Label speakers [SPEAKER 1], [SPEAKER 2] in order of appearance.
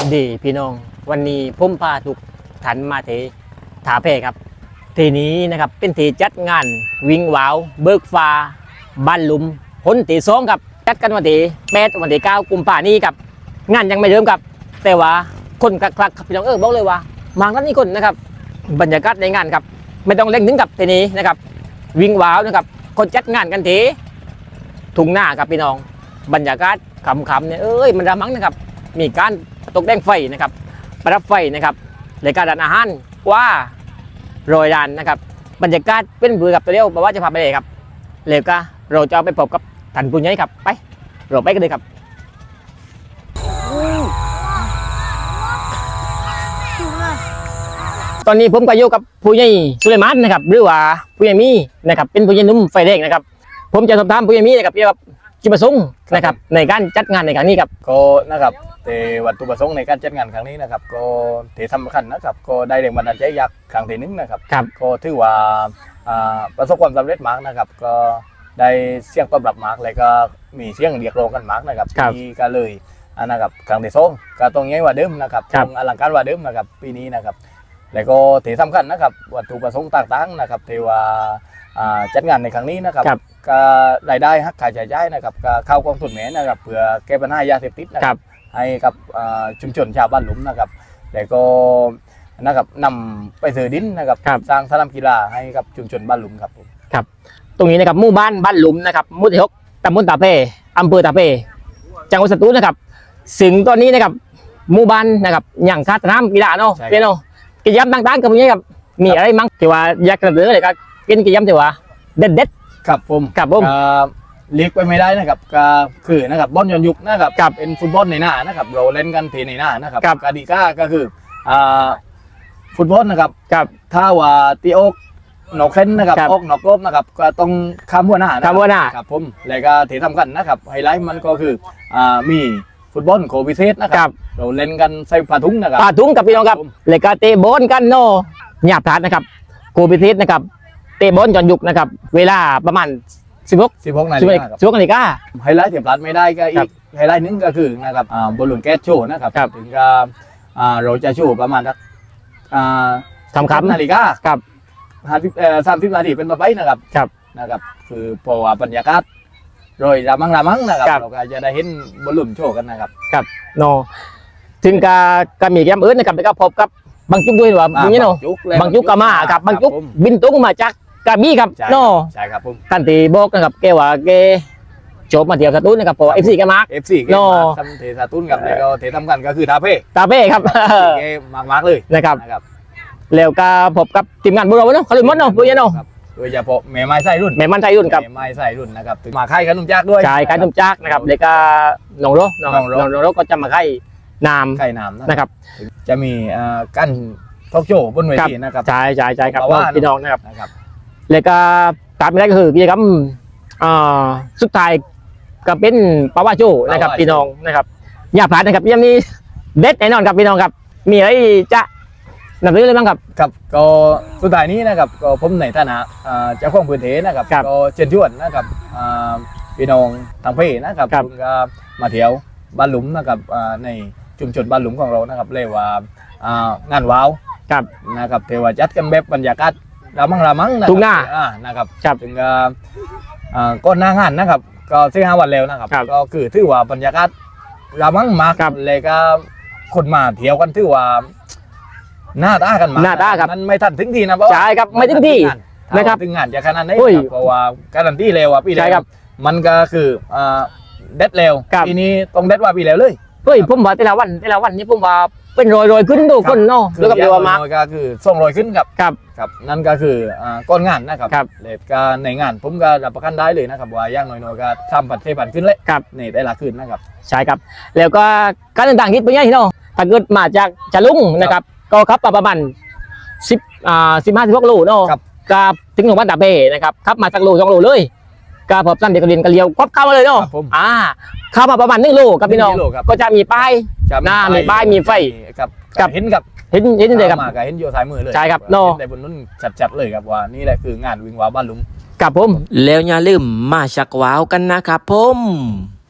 [SPEAKER 1] ดีพี่น้องวันนี้ผมพาทุกท่านมาที่ถาเพครับทีนี้นะครับเป็นที่จัดงานวิ่งวาวเบิกฟ้าบ้านลุมพ้นที่สองครับจัดกันวันที่8 วันที่ 9 กุมภาพันธ์นี้ครับงานยังไม่เริ่มครับแต่ว่าคนคลักครับพี่น้องบอกเลยว่ามากันนี่คนนะครับบรรยากาศในงานครับไม่ต้องเล่งถึงกับทีนี้นะครับวิ่งวาวนะครับคนจัดงานกันทีทุ่งหน้าครับพี่น้องบรรยากาศขำๆเนี่ยมันระมังนะครับมีการตกแต่งไฟนะครับประดับไฟนะครับรายการร้านอาหารว่าโรยรานนะครับบรรยากาศเป็นบือกับตัวเดียวบอกว่าจะพาไปเลยครับเลยก็เราจะไปพบกับท่านผู้ใหญ่ครับไปเราไปกันเลยครับตอนนี้ผมก็อยู่กับผู้ใหญ่สุเลมานนะครับหรือว่าผู้ใหญ่มีนะครับเป็นผู้ใหญ่นุ่มไฟแดงนะครับผมจะสอบถามผู้ใหญ่มีนะครับเกี่ยวกับจุดประสงค์นะครับในการจัดงานในครั้งนี้ครับ
[SPEAKER 2] ก็นะครับแต่วัตถุประสงค์ในการจัดงานครั้งนี้นะครับก็ที่สำคัญนะครับก็ได้แรงบันดาลใจจากครั้งที่หนึ่งนะครับก็ถือว่าประสบความสำเร็จมากนะครับก็ได้เสียงตอบรับมากเลยก็มีเสียงเรียกร้องกันมากนะครับที่ก็เลยนะครับครั้งที่สองก็ต้องใหญ่กว่าเดิมนะครับต้องอลังการกว่าเดิมนะครับปีนี้นะครับแล้วก็ที่สำคัญนะครับวัตถุประสงค์ต่างๆนะครับที่ว่าจัดงานในครั้งนี้นะครับก็รายได้หักค่าใช้จ่ายนะครับก็เข้ากองทุนแม่นะครับเพื่อแก้ปัญหายาเสพติดนะครับให้กับชุมชนชาวบ้านหลุมนะครับแล้วก็นะครับนำไปซื้อดินนะครับสร้างสนามกีฬาให้กับชุมชนบ้านหลุมครับ
[SPEAKER 1] ครับตรงนี้นะครับหมู่บ้านบ้านหลุมนะครับหมู่ที่ 6 ตำบลตาเป้อำเภอตาเป้จังหวัดสตูลนะครับถึงตอนนี้นะครับหมู่บ้านนะครับอย่างคาสนามกีฬาเนาะเป็นเนาะกิจกรรมต่างๆกับพวกนี้ครับมีอะไรมั้งที่ว่าอยากจะเสนอเลยครับเป็นกิจกรรมที่ว่าเด็ด
[SPEAKER 2] ครับผมเรียกไปไม่ได้นะครับก็คือนะครับบอลย้อนยุคนะครับเป็นฟุตบอลในหน้านะครับเราเล่นกันทีในหน้านะครับกติกาก็คือฟุตบอลนะครับถ้าว่าตีอกนอกเส้นนะครับออกนอกรอบนะครับก็ต้องข้ามหัวหน้าครับผมแล้วก็ที่สำคัญนะครับไฮไลท์มันก็คือมีฟุตบอลโควิเซตนะครับเราเล่นกันใส่ผ้าถุงนะครับ
[SPEAKER 1] ผ้าถุงกับพี่น้องครับแล้วก็เตะบอลกันเนาะหยาบพลาดนะครับโควิเซตนะครับเตะบอลย้อนยุคนะครับเวลาประมาณ16 นาฬิกา
[SPEAKER 2] ไฮไลท์ที่พลาดไม่ได้ก็อีกไฮไลท์นึงก็คือนะครับบอลลูนแก๊สโชว์นะครับถึงกับเราจะโชว์ประมาณ
[SPEAKER 1] 30
[SPEAKER 2] นาฬิกาครับ30 นาทีเป็นต่อไปนะครับคือเพราะว่าบรรยากาศโดยรามังนะครับเราก็จะได้เห็นบอลลูนโชว์กันนะครับ
[SPEAKER 1] โนถึงกับมีแกมอื่นนะครับแล้วก็พบกับบางจุ๊กด้วยว่าอย่างนี้เนาะบางจุ๊กก็มาครับบางจุ๊กบินตุ้งมาจากกระบี่ครับโน่
[SPEAKER 2] ใช่ครับผม
[SPEAKER 1] ท่านตีบอกนะครับแกว่าแกจบมาเที่ยวสตูลนะครับเพราะFC แกมาร์ก
[SPEAKER 2] FC แกมาทำเทสตูลกับแล้วก็เทสำคัญก็คือตาเป้
[SPEAKER 1] ครับ
[SPEAKER 2] แกมาร์กเลย
[SPEAKER 1] นะครับแล้วก็พบกับทีมงานบุรีรัมย์เนาะเขาลุยมดเนาะบุรีเนาะ
[SPEAKER 2] โดยเฉพาะแม่ไม้ไส้รุ่น
[SPEAKER 1] ครับ
[SPEAKER 2] แม่ไม้ไส้รุ่นนะครับมาค่ายขนมจักด้วย
[SPEAKER 1] ขนมจักนะครับแล้วก็น้องโรก็จะมาค่ายน้
[SPEAKER 2] ำ
[SPEAKER 1] นะครับ
[SPEAKER 2] จะมีกั้นทอล์กโชว์บนเวทีนะครับ
[SPEAKER 1] ใช่ครับพี่น้องนะครับแล้วก็ตามไปได้ก็คือกิจกรรมสุดท้ายก็เป็นปาวาโชว์นะครับพี่น้องนะครับอย่าพลาดนะครับยังมีเด็ดแน่นอนครับพี่น้องครับมีอะไรจะนำเสนอเลยบ้างครับ
[SPEAKER 2] ก็สุดท้ายนี้นะครับก็ผมในฐานะเจ้าของพื้นที่นะครับก็เชิญชวนนะครับพี่น้องทางเพนะครับคุณก็มาเที่ยวบ้านหลุมนะครับในชุมชนบ้านหลุมของเรานะครับเรียกว่างานว้าวนะครับเทวจัดกันแบบบรรยากาศรามัง
[SPEAKER 1] ทุ่งหน้า
[SPEAKER 2] นะครับถึงก้อนหน้างานนะครับก็4-5 วันแล้วนะครับก็คือถือว่าบรรยากาศรามังมากเลยก็คนมาเที่ยวกันถือว่าหน้าตากันมามันไม่ทันถึงทีนะ
[SPEAKER 1] ใช่ครับไม่ถึงทีนะครับ
[SPEAKER 2] ถึงงานจะขนาดนี้เพราะว่าการันตีเร็วอ่ะพี่เร็วมันก็คือเด็ดเร็วปีนี้ต้องเด็ดว่าปีเร็วเลย
[SPEAKER 1] ผมว่าแต่ละวันนี่ผมว่าเป็นรอยขึ้นดูคนเนาะ
[SPEAKER 2] แล้วก็เรียกว่ามาก็คือส่งรอยขึ้นครับนั่นก็คือก้อนงานนะครับเลทการในงานผมก็รับประกันได้เลยนะครับว่าย่างน้อยๆก็ทำผัดเทผัดขึ้นเลยในแต่ละคืนนะครับ
[SPEAKER 1] ใช่ครับแล้วก็การต่างๆคิดไปยังที่เนาะถ้าเกิดมาจากจะลุ่งนะครับก็ขับประมาณ15-16 โลเนาะกับถึงโรงพยาบาลตาเป้นะครับขับมาสักโล2 โลเลยก็พอสั้นเด็กเรียนกันเลี้ยวครบเข้ามาเลยเนาะเข้ามาประมาณ1 โลกับพี่น้องก็จะมีป้ายมีป้ายมีไฟ
[SPEAKER 2] กับเห็น
[SPEAKER 1] เลยครับ
[SPEAKER 2] เห็นโยสายมือเลย
[SPEAKER 1] ใช่ครับเนาะ
[SPEAKER 2] แต่บนนู้นจัดเลยครับว่านี่แหละคืองานวิ่งว้าวบ้านลุง
[SPEAKER 1] กับผมแล้วอย่าลืมมาชักว้าวกันนะครับผม